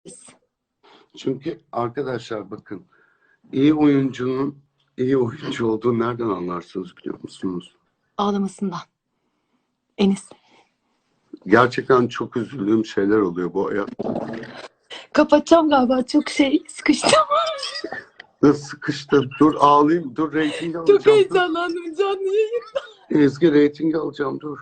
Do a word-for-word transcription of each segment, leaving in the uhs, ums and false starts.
Çünkü arkadaşlar bakın, iyi oyuncunun iyi oyuncu olduğunu nereden anlarsınız biliyor musunuz? Ağlamasından. Enis. Gerçekten çok üzüldüğüm şeyler oluyor bu hayatta. Kapatacağım galiba. Çok şey sıkıştım. Nasıl sıkıştım? Dur ağlayayım. Dur reyting alacağım. Çok heyecanlandım canlı yayın. Ezgi reyting alacağım dur.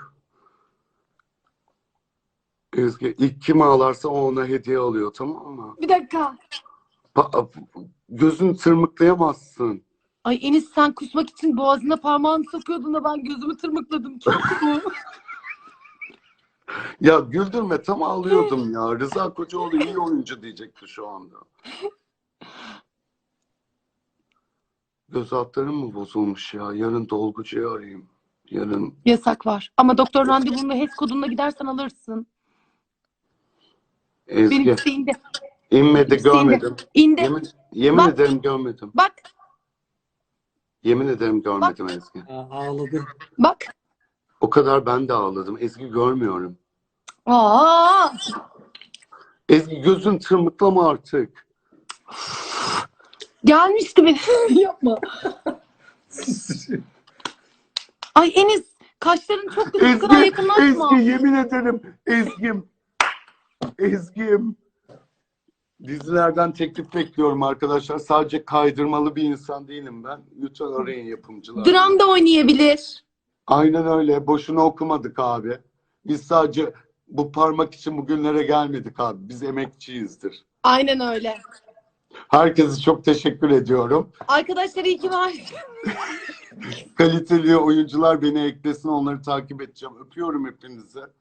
Ezgi ilk kim ağlarsa o ona hediye alıyor, tamam mı? Bir dakika. Pa gözünü tırmıklayamazsın. Ay Enis, sen kusmak için boğazına parmağını sokuyordun da ben gözümü tırmıkladım. Çok mu? Ya güldürme, tam ağlıyordum ya. Rıza Kocaoğlu iyi oyuncu diyecekti şu anda. Göz altlarım mı bozulmuş ya? Yarın dolgucuyu arayayım. Yarın. Yasak var. Ama doktor randevunda H E S kodunla gidersen alırsın. Ezgi. Benimkisi indi. İnmedi, Benimkisi görmedim. İndi. Yemin, yemin Bak. ederim görmedim. Bak. Yemin ederim görmedim Ezgi. Aa, ağladı. Bak. O kadar ben de ağladım. Ezgi görmüyorum. Aa! Ezgi gözün tırmıklama artık. Gelmişti benim. Yapma. Ay Enis, kaşların çok güzel. Bu kadar Ezgi, yakınlaşma. Ezgi yemin ederim. Ezgim. Ezgim. Dizilerden teklif bekliyorum arkadaşlar. Sadece kaydırmalı bir insan değilim ben. Lütfen arayın yapımcılar. Dram da oynayabilir. Aynen öyle. Boşuna okumadık abi. Biz sadece bu parmak için bugünlere gelmedik abi. Biz emekçiyizdir. Aynen öyle. Herkese çok teşekkür ediyorum. Arkadaşlar iyi ki var. Kaliteli oyuncular beni eklesin. Onları takip edeceğim. Öpüyorum hepinizi.